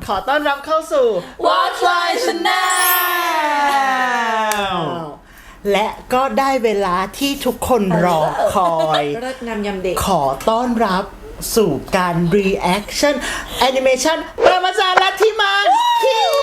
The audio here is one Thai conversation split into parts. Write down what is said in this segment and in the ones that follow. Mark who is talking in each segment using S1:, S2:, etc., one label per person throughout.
S1: ขอต้อนรับเข้าสู่
S2: Watch Line Channel
S1: และก็ได้เวลาที่ทุกคนรอคอย
S2: เลิศงามยำเด็ก
S1: ขอต้อนรับสู่การ reaction animation ประมาจารย์ลัทธิมานคิว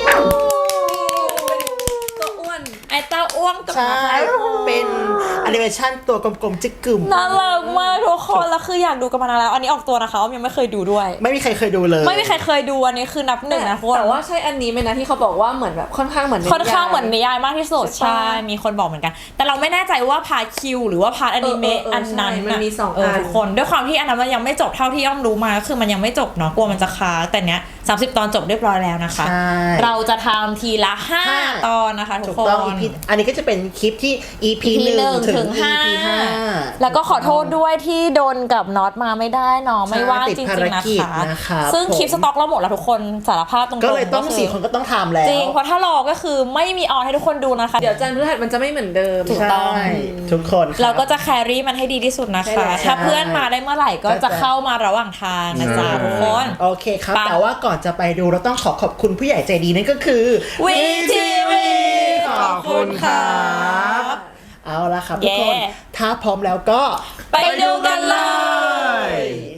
S2: ตัวอ้วนไอ้เต้าอ้วงกับ
S1: ใช่เป็นแอนิเมชันตัวกลมๆจิกกึ่ม
S3: น่ารักมากทุกคนแล้วคืออยากดูกันมานานแล้วอันนี้ออกตัวนะคะอ้อมยังไม่เคยดูด้วย
S1: ไม่มีใครเคยดูเลย
S3: ไม่มีใครเคยดูอันนี้คือนับหนึ่งนะทุกคน
S2: แต่ว่าใช่อันนี้ไหมนะที่เขาบอกว่าเหมือนแบบค่อนข้างเหมือน
S3: ค่อนข้างเหมือนนิยายมากที่สุด
S2: ใช่
S3: ใช่มีคนบอกเหมือนกัน แต่เราไม่แน่ใจว่าพาร์ทคิวหรือว่าพาร์ทอนิเมะอันนั้น
S2: ใช่มันมีสองอัน
S3: ทุกคนด้วยความที่อันนั้นมันยังไม่จบเท่าที่อ้อมรู้มาก็คือมันยังไม่จบเนาะกลัวมันจะค้างแต่เนี้ย30 ตอนจบเรียบร้อยแล้วนะคะ
S1: ใช่
S3: เราจะทำทีละ5 ตอนนะคะทุ
S1: ถู
S3: ก
S1: ก
S3: ค
S1: ต้อง
S3: น
S1: EP อันนี้ก็จะเป็นคลิปที่ EP 1 ถึง EP 5
S3: แล้วก็ขอโทษด้วยที่โดนกับน็อตมาไม่ได้เนาะไม่ว่าง
S1: ติด
S3: จริง
S1: ภาร
S3: ๆนะ
S1: กิจ
S3: คะ
S1: นะครับ
S3: ซึ่งคลิป
S1: ผม
S3: สต็อกเราหมดแล้วทุกคนสารภาพตรงๆ
S1: ก็เลยต้อง
S3: คื
S1: 4 คนก็ต้องทำแล้ว
S3: จริงเพราะถ้ารอก็คือไม่มีออนให้ทุกคนดูนะคะ
S2: เดี๋ยวจันทร์พฤหัสมันจะไม่เหมือนเดิม
S3: ถูกต้อง
S1: ใช่ทุกคนครับ
S3: เราก็จะแครี่มันให้ดีที่สุดนะคะ
S2: ใช่แล้ว
S3: ถ้าเพื่อนมาได้เมื่อไหร่ก็
S1: ก็จะ
S3: จะเข้ามาระหว่างทางนะจ๊ะทุกคน
S1: โอเคครับ
S3: ไป
S1: แต่ว่าก่อนจะไปดูเราต้องขอบคุณผู้ใหญ่ใจดีนั่นก็คือ
S3: VTV
S1: ขอบคุณครับเอาละครับทุกคน
S3: เย้
S1: ถ้าพร้อมแล้วก็
S3: ไปดูกันเลย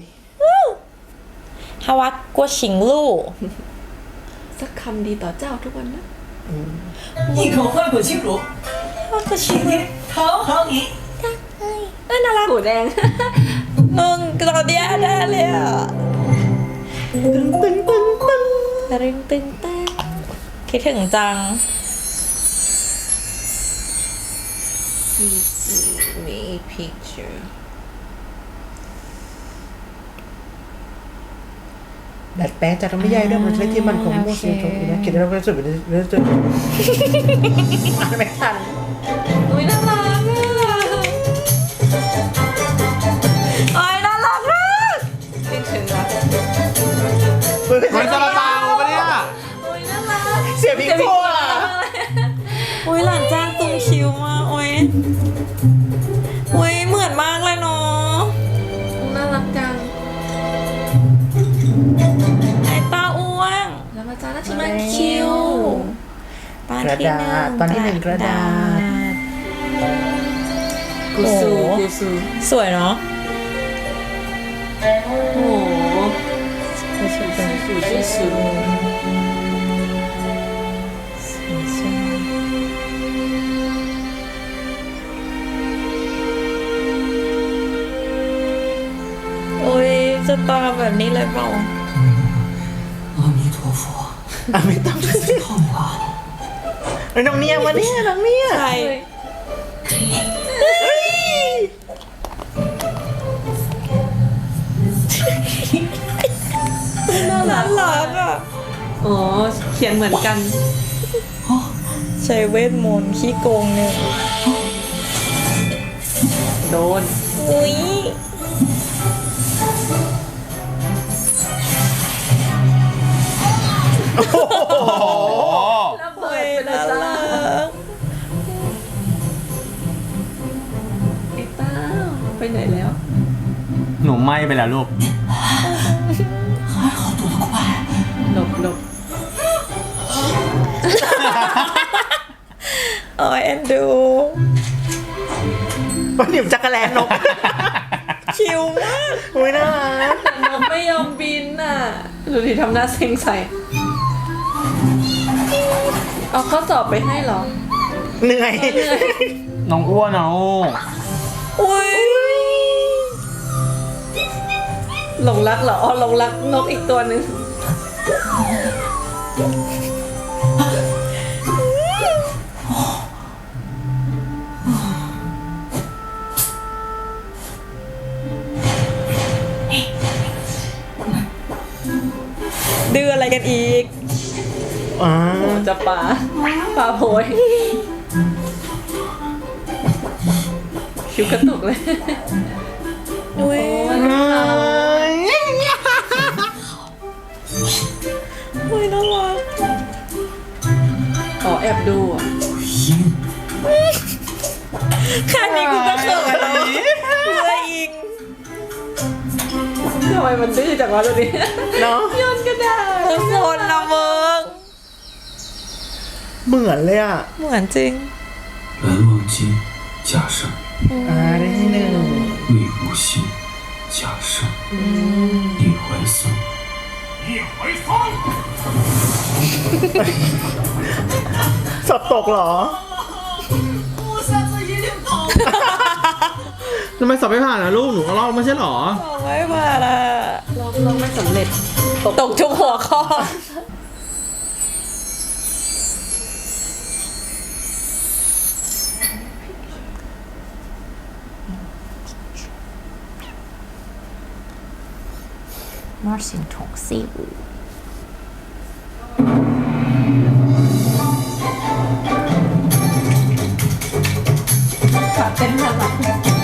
S3: ฮาวะกัวชิงลู่
S2: สักคำดีต่อเจ้าทุกวันนะ
S4: 一口换口清楚，
S3: ว่ากัวชิง
S4: 今
S3: ลู่
S4: 天讨好你。
S3: น่ารัก
S2: หูแดง
S3: มึงตอนเนี้ยได้เลยอ่ะ
S1: ตึงตึงตึงตึง
S3: ตึงตึงตึงคิดถึงจัง
S2: มีpicture
S1: ดัดแปลงจากธรรมนิยายเรื่องมันใช้ที่มันของโมซิโตะนะคิดแล้วก็รู้สึกเป็นเรื่องอ่านไม่ทัน
S2: อุ้ยน่ารักอ่ะ
S3: โอ้ยน่ารักมาก
S2: คิดถึงรัก
S5: มันซาลาเปาปะเนี่ย
S2: อุ้ยน่ารัก
S1: เสียพิกโก้อะ
S3: โอ้ยหลานจ้างตุ้งคิวมากโอ้ยโอ้ยเหมือนมากเลยเนาะ
S2: น่ารักจัง
S3: ไอ้ตาอ้วง
S2: แล้วมาจ้าหน้าที่มันคิว
S3: ตอน
S1: กระ
S3: ที่
S1: ดาษตอนที่ 1 กระดาษ
S2: กูซู
S3: โอ้โห
S2: กูซู
S3: สวยเนาะ
S2: โอ้โหกูซูกูซู
S3: โอ้ยจะตาแบบนี้เลยเปล่า
S4: 阿弥陀佛，
S1: อ่ะไม่ต้อง
S4: 痛啊！
S1: น้องเนี่ยมาเนี่ยน้องเนี่ย
S3: ใช่น่ารักอ่ะ
S2: อ๋อเขียนเหมือนกัน
S3: ใช้เวทมนต์ขี้โกงเนี่ย
S2: โดน
S3: อุ้ย
S1: โอ้โห
S2: ระเบิ
S3: เฮ้
S2: ด
S3: ย
S2: ไปเลย
S3: น่า
S2: จ้า
S3: รัก
S2: ไอ้เต้าไปไหนแล้ว
S5: หนูไหม้ไปแล้วลูก
S4: 还好躲得快。
S2: หลบหลบ
S3: โอ้ยเอ็นดู
S1: มันหยิบจักรแลนนก
S3: คิวมาก
S1: อุ้ยน่ารัก
S2: แต่นกไม่ยอมบินน่ะดูดิทำหน้าเซ็งใส่ เอาข้อสอบไปให้เหรอ
S1: เหนื่อย
S5: น้องอ้วนเอา
S3: อุ้ย
S2: หลงรักเหรออ๋อหลงรักนกอีกตัวหนึ่ง
S3: ดื้ออะไรกันอีก
S1: อ่า
S2: โอ้จะปลาโพยคิ้วกระตุกเลย
S3: อุ้ย
S2: โอ้ยน่ารัก
S3: อุ้ยน่ารัก
S2: ขอแอบดูอ่ะ
S3: แค่นี้กูก็เขินแล้วเลยอิง
S2: ทำไมมันดื้อจังวะตัวนี้
S1: เนาะ
S2: โยนกระดาษ
S3: เออโซนนะมึง
S1: เหมือนเลยอ่ะ
S3: เหมือนจริง
S4: 蓝忘机假善，
S1: ได้ที่หนึ่ง
S4: 魏无羡假善，李怀桑。
S1: สอบตกเหรอ
S5: ทำไมสอบไม่ผ่านนะลูก หนูก็ลอกไม่ใช่เหรอ
S3: ไม่มาละ
S2: เราไม่สำเร็จ
S3: ตกทุกหัวข้อ
S2: มาสิงถงซิว ขาเต้นน่ารัก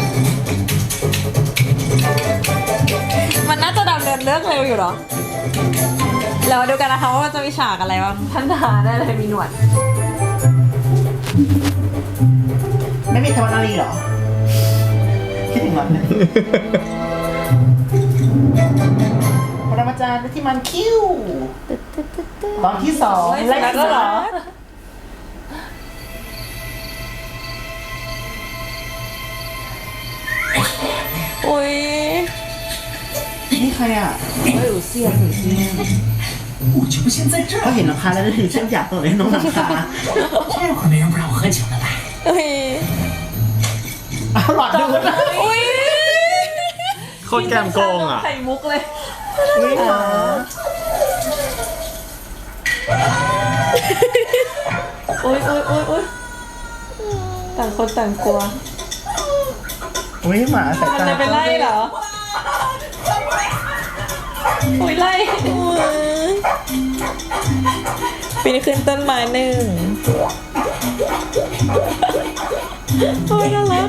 S3: มันน่าจะดำเนินเรื่องเร็วอยู่เหรอ เรามาดูกันนะคะว่ามันจะมีฉากอะไรบ้าง
S2: ท่านทหารได้เลยมีหนวด
S1: ไม่มีธรรมนารีเหรอ คิดถึงมันเลยปรมาจารย์ที่มันคิ้ว ตอนที่สอง
S2: ไล่ก็เหรอ
S3: โอ้ย
S1: นี่ใครอ่ะ
S2: เฮ้ยอูเซียนอูเซียน
S4: 我就不先在这
S1: เขา
S4: 儿，
S1: เห็นหลังคาแล้วนึกถึงเส้นหยาบตัวเลยน้องหลังคา
S4: 这会儿没人不让我喝酒了吧？
S3: โอ้ย
S1: เอาหลอดดูนะ
S3: โอ้ย
S5: โคตรแกมโกงอ่ะ
S2: ไข่มุกเลย
S1: อุ้ยหมา
S2: โอ๊ยโอ๊ยโอ๊ยโอ๊ยต่างคนต่างกลัว
S1: อุ้ยหมาสาย
S2: มัน
S1: ตา
S2: จะไปไล่เหรอโอ๊ยไล่
S3: ปีนขึ้นต้นไม้หนึ่งโอ้ยน่ารัก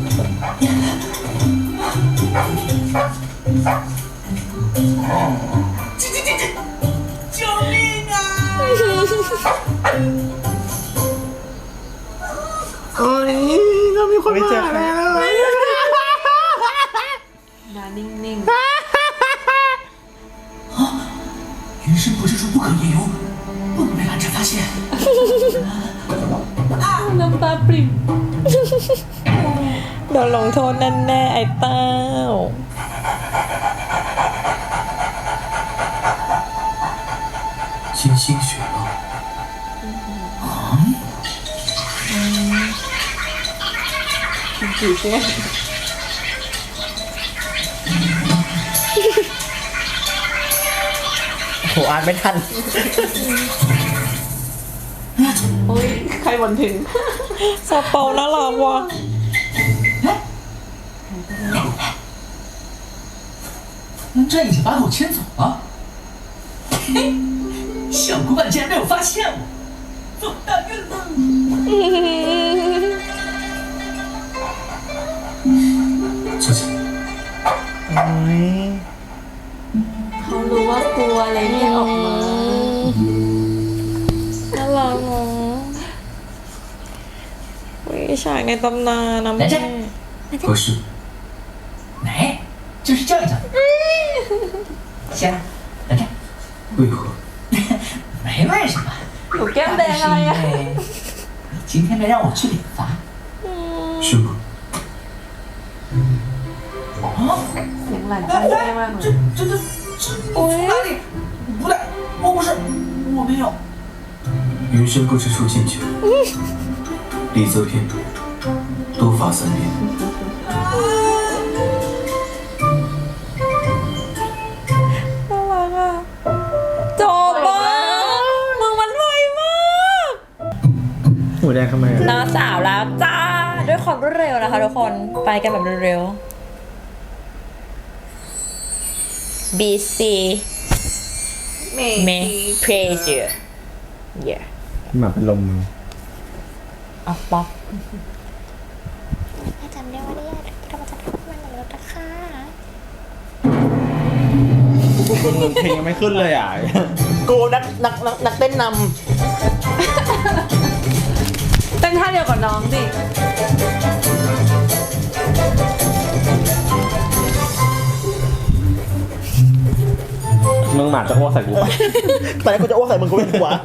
S4: 救命啊！
S5: โอ้ยก็มีคน
S1: ไม่เจอ
S5: มา
S1: ใคร
S5: แล้ว
S2: มานิ่ง
S4: 云深不知处不可言游，不能被蓝湛发现。
S2: ๆน้ำตาปริ่ม
S3: โดนลงโทษแน่ๆไอ้เต้า
S4: 金星雪浪，
S2: กี่เส้น
S1: โหอ่านไม่ทัน
S2: โอ๊ยใครบ่นถึง
S3: ซาเปาน่ารักว่ะ
S4: 这已经把我牵走了。嘿，小古板竟然没有发现我，走大运了。小姐，
S1: โอ้ย
S2: เขารู้ว่ากลัวเลยไม่ออกมา
S3: น่ารักเนาะวิฉากในตำนานนะแม่
S4: 合适。来，就是这样的。先来这，为何？没为什么，
S2: หนูแก้มแดงอะไรอะ
S4: 因为你今天没让我去理发。是吗？哦。
S2: เสียงหลานจำได้มากเลย
S4: 从哪里？不对，我不是，我没有。云深不知处进酒，礼则偏多，多罚3鞭。
S3: น่ารักอ่ะจบอ่ะมึงมันไวมาก
S5: หูแดงทำไมอ่ะ
S3: น้าสาวแล้วจ้า ด้วยความรวดเร็วนะคะทุกคน ไปกันแบบเร็วๆ BC
S2: เม
S3: May Pressure yeah
S5: หมาเป็นลมมือ
S3: เอาป๊อป
S6: จำได้ว่าเนี่ยเราจะทำมันในรถนะคะ
S5: เพลงยังไม่ขึ้นเลยอ่ะ
S1: กูนักเต้นน
S2: เต้นท่าเดียวกับน้องดิ
S5: มึงหมาจะอ้วกใส่กูปะ
S1: ตอนแรกกูจะอ้วกใส่มึงกูเป็นหัว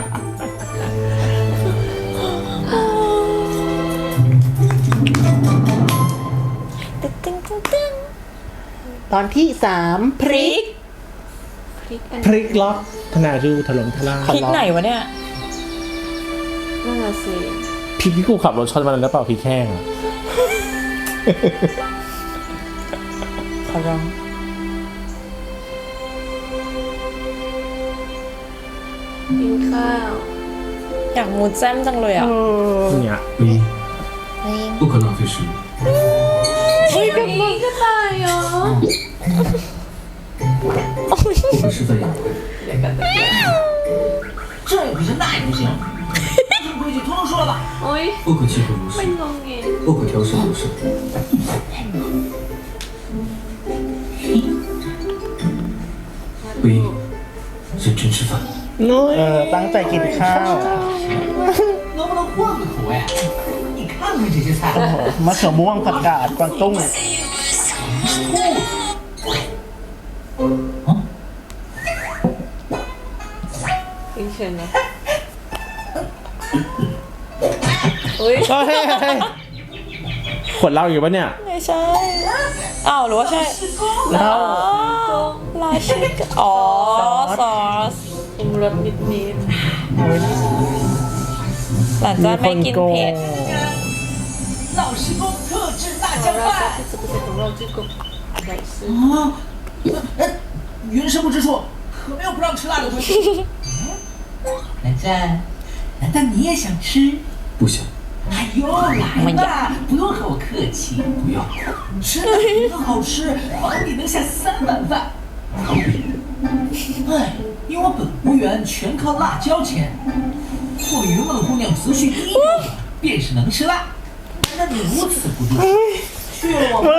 S3: ตึ้งตึ้งตึ้งตึ้ง
S1: ตอนที่ 3 พริก
S2: พริกอัน
S5: พริกล็อกธนาดูถล่มทลาย
S3: พริกไหนวะเนี่ย
S2: น่าสิ
S5: พริกที่กูขับรถชนมันแล้วเปล่าพริกแห้งอะ
S1: ขอร้อง
S2: กินข้าว
S3: อยากมูดแจ้มจังเลยอ่ะ
S5: เนี่ย
S4: 唯一，不可浪费食物。
S2: นี่ก็ตายเหรอ
S4: 我们是在养龟，
S2: เดี๋ยวกันตะเกียบ
S4: 这也不行，那也不行，这规矩通通说了吧？
S2: โอ๊ย
S4: 不可欺负如
S2: ไม่
S4: 是，
S2: งงเงย
S4: 不可挑食有事。唯一，认真吃饭，
S1: ตั้งใจกินข้าว
S4: 能不能换个口味？你看看这些菜，
S1: มะเขือม่วงผักกาดกวางตุ้ง
S2: กินเชิญนะอุ้ย
S5: เฮ้ยขวดเหล้าอยู่ปะเนี่ย
S3: ไม่ใช่ อ้าวหรือว่าใช่
S1: แล้ว
S3: ลาชิกอ๋อ ซอส
S2: ปรุงรสนิด
S3: หลานจ้าไม่กินเผ็ด
S4: 老师公特制辣
S2: ๆ
S4: 酱
S2: เรา
S4: 饭。
S2: 这不是ของเรา这个来吃
S4: 啊，云深不知处，可没有不让吃辣的规矩。蓝湛，难道你也想吃？不想。哎呦，来吧，不用和我客气。不要，吃的很好吃，保你能下3碗饭。哎，因我本无缘全靠辣椒钱，或云梦姑娘族序第一标准便是能吃辣。那你如此不知，去了我们。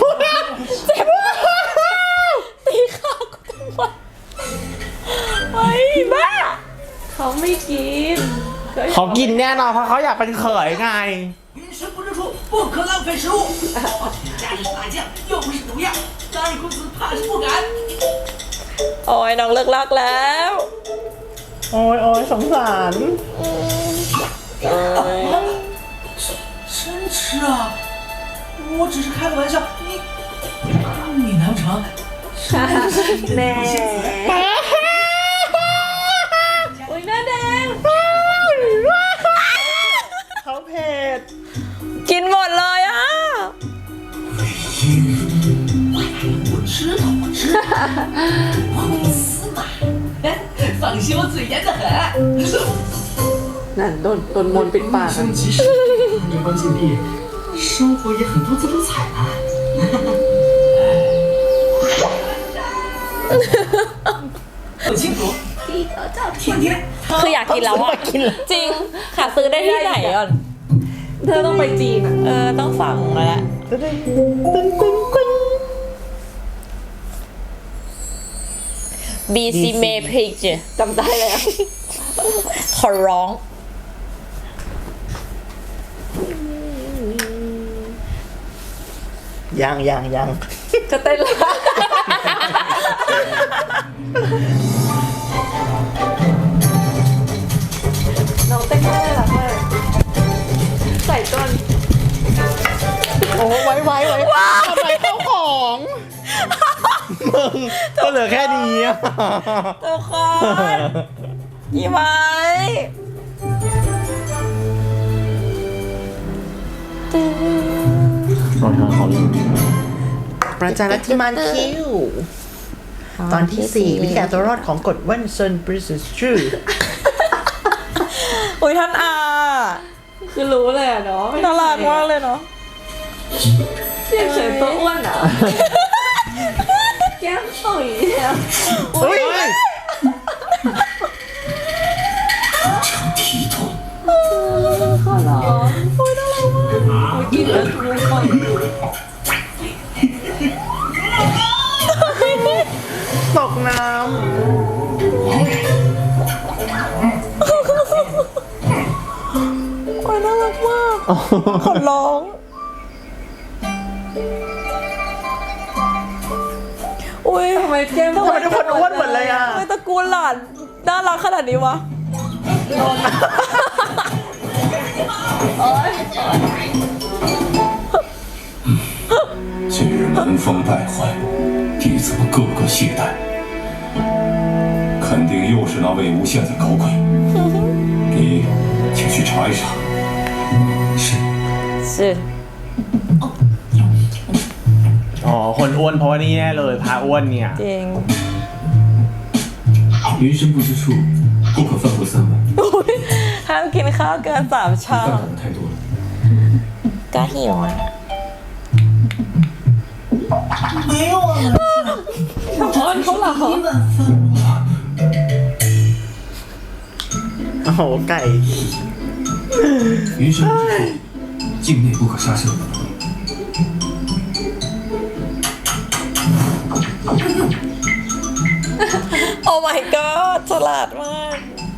S3: ตีข้าวกูทำไมไอ้บ้า
S2: เขาไม่กิน
S5: เขากินแน่นอนเพราะเขาอยากเป็นเขยไง
S4: 云深不知处，不可浪费食物。加的是辣酱，又不是毒药，张二公子怕是不敢。
S3: โอ้ยน้องเลิกลักแล้ว
S1: โอ้ยโอ้ยสงสาร
S4: 真吃啊！我只是开个玩笑，你难不成？
S2: แน่อุ้ยหน้าแดง
S1: เขาเผ็ด
S3: กินหมดเลยอ่ะ
S4: 我知道，我知道，我司马，放心，我嘴严得很。
S2: นั่นโดนมนต์ปิดปากอะ
S4: 即使年关禁闭，生活也很多姿多彩啊。不清楚，天天
S3: คืออยากกินแล้วอ่ะ จริง หาซื้อได้ที่ไหนก่อน
S2: เธอต้องไปจีนอ่ะ
S3: ต้องสั่งแล้วแหละ
S1: ตึ้งตึ้งตึ้งตึ้ง
S3: BC m a p i c
S2: จำได้แล้ว
S3: ขอร้อง
S1: ยัง
S2: จะเต้นแล้วน้องเต้นได้หรอเพื่อนใส่ก้อน
S1: โอ้ไว้ทำไมเข้าของมึงก็เหลือแค่นี้อะ
S3: ทุกคนอีไว้
S5: รอยเท้าเขาอยู่
S1: ประจานที่มันคิว ตอนที่ 4 วิธีการตัวรอดของกฎวันเซนบริสชื่อ
S3: อุ้ยท่านอา
S2: คือรู้เลยอะเนาะ
S3: น่ารักมากเลยเนาะ
S2: เสียงเฉยตัวอ้วนอ่ะ แก้มต่อยแล้ว
S1: เฮ้ย
S4: 成体统。
S2: ขอร้องโอ้ยน่ารักมากกินแล้วทุกคน
S1: ตกน้
S3: โอ้ยน่ารักมากขอร้องอุ้ย
S2: ทำไมแก้ม
S1: ทำไมทุกคนอ้วนหมดเลยอ่ะ
S3: ทำไมตระกูลหลานน่ารักขนาดนี้วะ
S7: 近日门风败坏，弟子们个个懈怠，肯定又是那魏无羡在搞鬼。你请去查一查。是。
S3: สิ
S5: อ๋อ คนอ้วนเพราะว่านี่แน่เลยพาอ้วนเนี่ย
S3: จริง
S7: 云深不知处，不可饭过3碗。
S3: อุ๊ยห้ามกินข้าวเกิน3 ชา
S7: 饭量太多了。
S3: ก็หิวอ่ะ
S4: 没有啊，我这是1碗饭啊。
S1: โอ้โหไก่
S7: 云深不知处，境内不可杀生。
S3: โอ้ my god ฉลาดมาก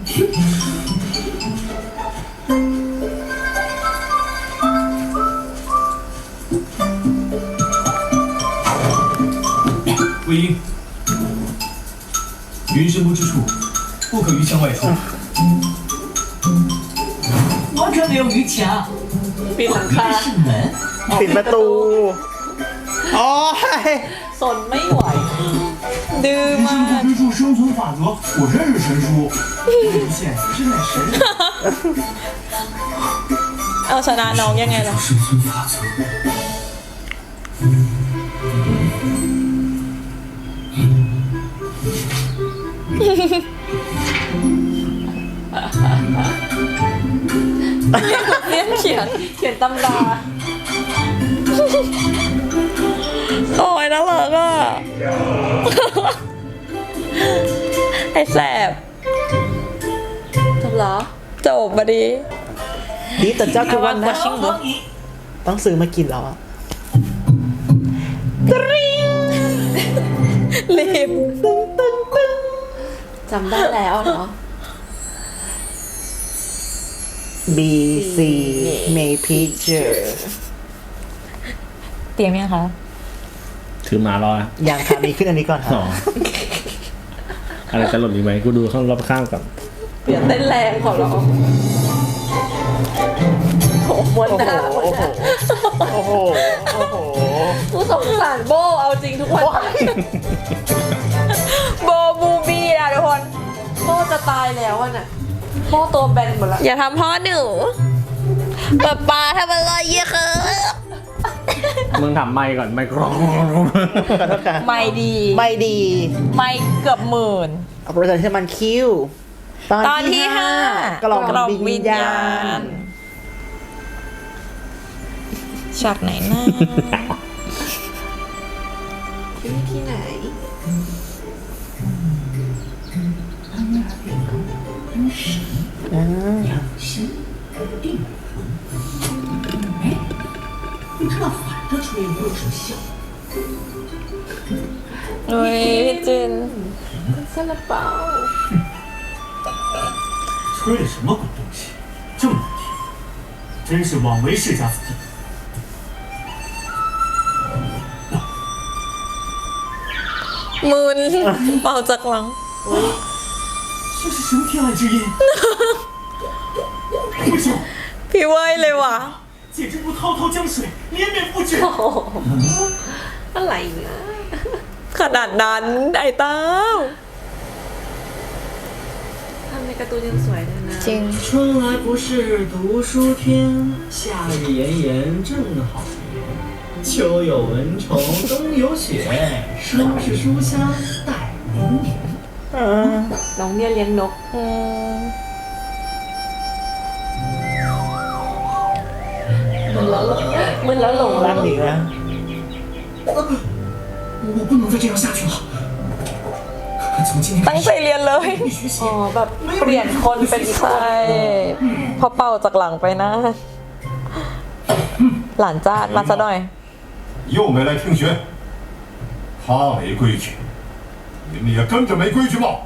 S7: 魏婴，云深不知处，不可于墙外出。
S4: 完全没有鱼墙，
S2: ปีนหลังคา
S4: 这是门。
S1: ปิดประตูโอ้ย
S2: สนไม่ไหว
S3: ดื้อ
S4: 云
S3: มาก
S4: 深不知处生存法则，我认识神书。魏无羡真乃神人。
S3: เอาชนะน้องยังไงล่ะ
S7: 生存法则。
S3: เรียนเขียน
S2: เขียนตำรา
S3: โอ้ยน่ารักอ่ะ ไอ้แสบ
S2: จบเหรอ
S3: จบมาดี
S1: นี่แต่เจ้าทุกวันนะ
S3: ชิงบุ
S1: ต้องซื้อมากินแล้วอ่ะ
S3: รีบ
S2: จำได้แล้วเนาะ
S1: B C Make Picture
S3: เตรียมยังคะ
S5: ถือหมารอนะ
S1: อย่างค่ะมีขึ้นอันนี้ก่อนค่ะ
S5: อ๋ออะไรจะหล่นอีกไหมกูดูข้างรอบข้างก่อน
S2: เปลี่ยนเต้นแรงขอร้องโอ้โหมวน
S1: โอ้
S2: ห
S1: โห
S2: น้า
S1: โอ้โหโอ้โหโอ้โห
S2: กูสงสารโบเอาจริงทุกวัน
S3: โบบูบี้นะทุกคน
S2: โบจะตายแล้วอ่ะน่ะโบตัวแบนหมดละ
S3: อย่าทำพ่อหนูป๊าทำอะไรเยอะคือ
S5: มึงทำไมค์ก่อนไมค์กรอง
S1: ขอโทษค่ะ
S3: ไม่ดี
S1: ไม่ดี
S3: ไม่เกือบหมื่น
S1: เอาโปรเจกต์ที่มันคิว
S3: ตอนที่ 5
S1: กล่องวิญญาณ
S3: ฉากไหนนะ
S2: ที่ไหน
S4: 你这反着吹又是笑。
S3: เฮ้ยพี่จิน
S2: ซาลาเปา
S4: 吹的什么鬼东西，这么难听，真是枉为世家子弟。
S3: มืนเป่าจากหลัง
S4: 这是什么天籁之音？不行，
S3: พี่เว้ยเลยว่ะ
S4: 简直如滔滔江水，连绵不止。
S2: อะไรเนี่ย
S3: ขนาดนั้นไอ้เต้า
S2: ทำในการ์ตูนยังสวยเลยนะ
S3: จริง
S8: 春来不是读书天，夏日炎炎正好眠。秋有蚊虫，冬有雪，收拾书香待明年。
S2: น้องเนี่ยเลี้ยงนก
S3: อืม
S2: มึนแล้วหลง
S1: ร่างอีกแล้ว
S4: 我不能再这样下去了。从今天
S3: ตั้งใจเรียนเลย
S4: 必须写
S2: อ๋อแบบเปลี่ยนคนเป็นอีกคน
S3: ใช่พอเป่าจากหลังไปนะ หลานจานมาซะหน่อย
S7: 又没来听学，他没规矩，你们也跟着没规矩吗？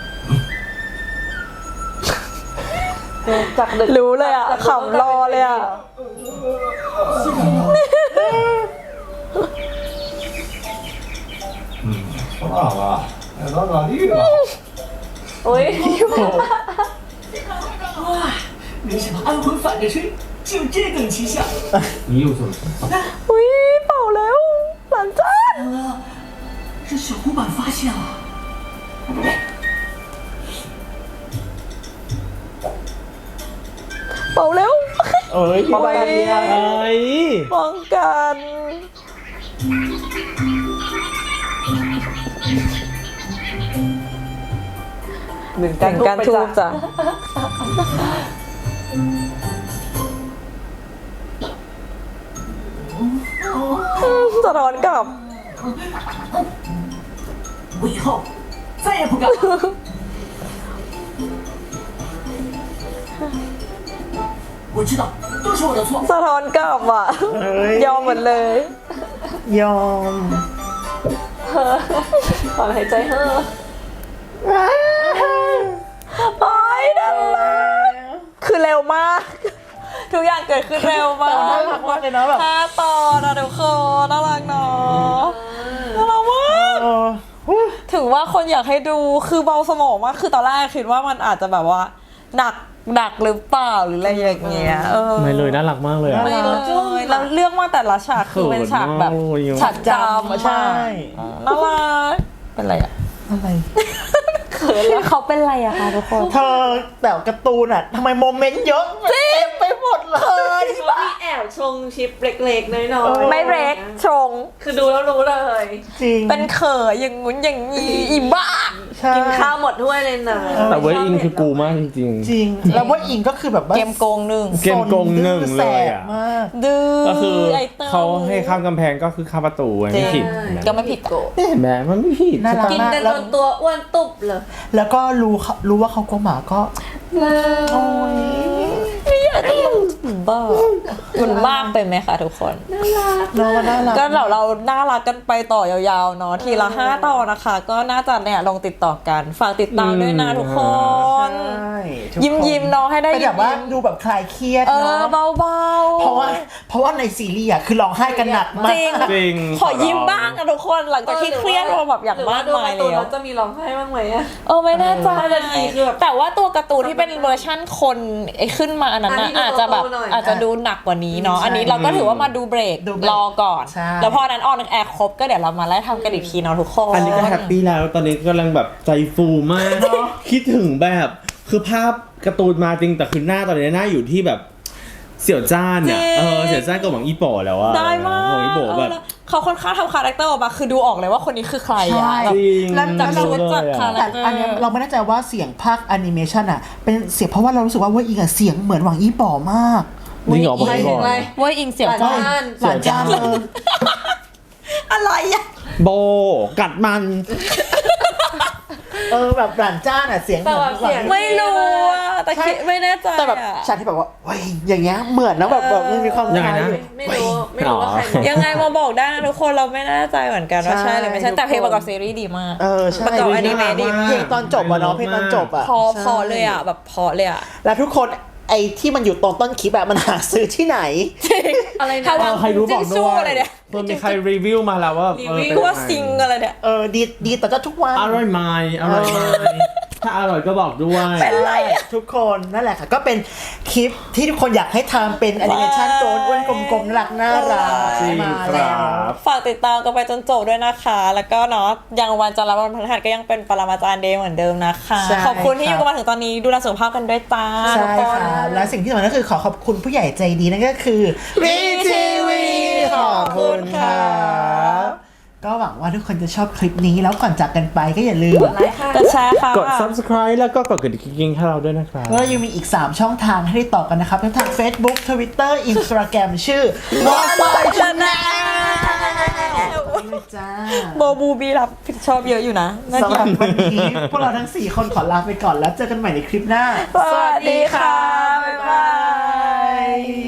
S2: จากดึก
S3: รู้เลยอ่ะขำรอเลยอ่ะ
S7: 还忘了，爱咋咋地吧。
S2: อุ้ย
S4: 哇，没想到安魂反着吹，就这等奇效。
S5: 你又做了什么？
S3: อุ้ยเป่าแล้วหลานจ้า
S4: 这小虎板发现了。
S3: เป่าแล้ว
S1: เอ้ยป้องกันเนี่ย
S5: เอ้ย
S3: ป้องกันหนึ่งการทูบจ้ะสะท้อนกลับ
S4: 我以后再也不敢了。我知道，都是我的错。
S3: สะท้อนกลับอ่ะ
S1: เอ้ย
S3: ยอมหมดเลย
S1: ยอม
S2: ถอนหายใจเฮ้อ
S3: โอ้ยน่ารักคือเร็วมาก ทุกอย่างเกิดขึ้นเร็วมาก
S1: น่ารักมากเลยเนาะแบบ
S3: 5 ตอนนะทุกคนน่ารักเนาะน่ารักมาก
S1: เออฮู้
S3: ถึงว่าคนอยากให้ดูคือเบาสมองมากคือตอนแรกคิดว่ามันอาจจะแบบว่าหนักหรือเปล่าหรืออะไรอย่างเงี้ย
S5: ไม่เลยน่ารักมากเลยอ่ะ
S3: ไม่เลยแล้วเรื่องว่าแต่ละฉากคือเป็นฉากแบบ
S5: เขินมาก
S3: ฉากจำ
S1: ใช่
S3: น่ารักเป็นไรอะ
S1: อะไร
S3: เขินแล้วเขาเป็นไรอะคะทุกคน
S1: เธอแต่การ์ตูนอ่ะทำไมโมเมนต์เยอะเต็มไปหมดเลย
S2: เขามีแอบชงชิปเล็กๆน้อยๆ
S3: ไม่เร็กชง
S2: คือดูแล้วรู้เลย
S1: จริง
S3: เป็นเขยอย่างงุ้นอย่างงี้อีบ้า
S1: ใช่
S2: กินข้าวหมดถ้วยเลยนะ
S5: แต่เว้ยอิงคือกูมากจริง
S1: จริง แล้วว่าอิงก็คือแบบว่า
S3: เกมโกงหนึ่ง
S5: เกมโกงหนึ่งเลยอะ
S1: แสบมาก
S3: ดื้อ
S5: ๆ ก็คือ
S3: ไอเติ้ล
S5: เขาให้ข้ามกำแพงก็คือข้ามประตูไงไม่ผิด
S3: ก็ไม่ผิด
S5: เห็นไหมมันไม่ผิด
S1: น่ารัก
S2: กิน
S1: มาก
S2: กัน
S1: แล้
S2: จ
S1: วน
S2: ตัวอ้วนตุบเลย
S1: แล้วก็รู้ว่าเขากลัวหมาก็
S3: ไม่อยากให้บ้ามันมากไปไหมคะทุกคน
S1: น้องน่ารัก
S3: ก็เราน่ารักกันไปต่อยาวๆเนาะทีละ5 ตอนนะคะ ก็น่าจะเนี่ยลงติดต่อกันฝากติดตามด้วยนะทุกคน
S1: ใช่ทุกคน
S3: ยิ้มๆเนาะให้ได้
S1: เป็นแบบว่าดูแบบคลายเครียด
S3: เออ
S1: เนาะ
S3: เบาๆ
S1: เพราะว่าในซีรีส์อ่ะคือร้องไห้กันหนักมาก
S3: จริง
S5: จริง
S3: ขอยิ้มบ้างอะทุกคนหลังจากที่เครียดมาแบบอย่างมากมาย
S2: หรือว่ดูกร์ตูน
S3: แล้ว
S2: แล้วจะมีร้องไห้บ้างไหมอะ
S3: ไม่แน่ใจ
S2: 5 นาทีคือแบบ
S3: แต่ว่าตัวการ์ตูนที่เป็นเวอร์ชั่นคนไอ้ขึ้นมาอันนั้นนะ
S2: อันนี้ดู
S3: อาจจะแบบ
S2: โตๆหน่อย
S3: อาจจะดูหนักกว่านี้เนาะ
S1: ใช่
S3: อันนี้เราก็ถือว่ามาดูเบรก
S1: ดูเบรก
S3: รอก่อน
S1: ใช่
S3: แล้วพอนั้นออนแอร์ครบก็เดี๋ยวเรามาไล่ทำกันอีกทีเนาะทุกคน
S5: อันนี้ก็แฮปปี้แล้วตอนนี้กำลังแบบใจฟูมากคิดถึงแบบคือภาพการ์ตูนมาจริงแต่คือหน้าตอนนี้หน้าอยู่ที่แบบเสี่ยวจ้านเนี่ยเสี่ยวจ้านกับหวังอีโป๋แล้วอะ
S3: ได้มาก
S5: หวังอีโป๋แบบ
S3: เขาค่อนข้างทำคาแรคเตอร์ออกมาคือดูออกเลยว่าคนนี้คือใคร
S1: ใช่
S3: อะแบบ
S5: จริง
S1: แล้ว
S3: จากชุดจากคาแร
S1: แต่
S3: คเตอร์
S1: อันเนี้ยเราไม่แน่ใจว่าเสียงภาคแอนิเมชันอ่ะเป็นเสียงเพราะว่าเรารู้สึกว่าอิงอ่ะเสียงเหมือนหวังอี้ป๋อมาก
S5: จริงเหรอบอก
S2: ไม่
S5: ให้
S2: ถึ
S5: ก่อง น
S2: อะไร
S3: เว่าอิงเสี่ยวจ้า
S1: หลานจ้าอะไรอ่ะ
S5: โบกัดมัน
S1: แบบหลานจ้าน่ะเสียงเหมือน
S2: แต่แบบเสียง
S3: ไม่รู้อะแต่คิดไม่แน่ใจ
S1: แต่แบบ
S3: อะ
S1: ฉากที่แบบว่าเว้ยอย่างเงี้ยเหมือนนะแบบมันมีความ
S5: ยังไง
S1: คล้าย
S5: นะ
S1: อยู่
S2: ไม่รู้ว่าใครเป็น
S3: ยังไงมาบอกได้นะทุกคนเราไม่แน่ใจเหมือนกันว่า
S1: ใช่
S3: ใช่หรือไม่ใช่แต่เพลงประกอบซีรีส์ดีมาก
S1: ใช่
S3: ประกอบอนิเมะดีมาก
S1: เพลงตอนจบอะเนาะเพลงตอนจบอะ
S3: พอ
S1: ใช่
S3: เลยอ่ะแบบพอเลยอ่ะ
S1: แล้วทุกคนไอ้ที่มันอยู่ตรงต้นคลิปอะมันหาซื้อที่ไหน
S2: อะไร
S3: ถ้า
S2: นะ
S3: ว่า
S5: ใครรู้บอก
S3: จิ้ง
S5: ด้
S3: สู้
S5: วย
S3: อะไรเนี่ย
S5: เพิ่มมีใครรีวิวมาแล้วว่า
S2: รีวิว
S3: คือว่าซิงอะไรเนี่ย
S1: ดีต่อเจ้าทุกวัน
S5: อร่อยไหมอร่อยไหมถ้าอร่อยก็บอกด้วย
S3: เป็นไรอะ
S1: ทุกคนนั่นแหละค่ะก็เป็นคลิปที่ทุกคนอยากให้ทำเป็นแอนิเมชันโจนอ้วนกลมๆน่ารัก
S5: จริง
S1: มา
S5: ค
S1: แล้
S5: รั
S1: ว
S5: บ
S3: ฝากติดตามกันไปจนจบด้วยนะคะ แล้วก็เนาะยังวันจันทร์และวันพฤหัสก็ยังเป็นปรมาจารย์เดย์เหมือนเดิมนะคะ
S1: ใช่
S3: ขอบคุณที่อยู่กันมาถึงตอนนี้ดูแลสุขภาพกันด้วยจ้า
S1: ใช่
S3: ทุกคน
S1: ค่ะและสิ่งที่สำคัญก็คือขอขอบคุณผู้ใหญ่ใจดีนั่นก็คือ VTV ขอบคุณค่ะก็หวังว่าทุกคนจะชอบคลิปนี้แล้วก่อนจากกันไปก็อย่าลืม
S2: ไลค์ค่ะ
S3: จะแชร์ค่ะ
S5: กด subscribe แล้วก็กดกระดิ่งให้เราด้วยนะครับ
S1: แล้วยังมีอีก 3 ช่องทางให้ได้ต่อกันนะครับทั้งทาง Facebook Twitter Instagram ชื่อ Boy Channel นี่จ้า
S3: โบบูบีรับผิดชอบเยอะอยู่นะนั่น
S1: สำหรับวันนี้พวกเราทั้ง 4 คนขอลาไปก่อนแล้วเจอกันใหม่ในคลิปหน้า
S3: สวัสดีค่ะ บ๊ายบาย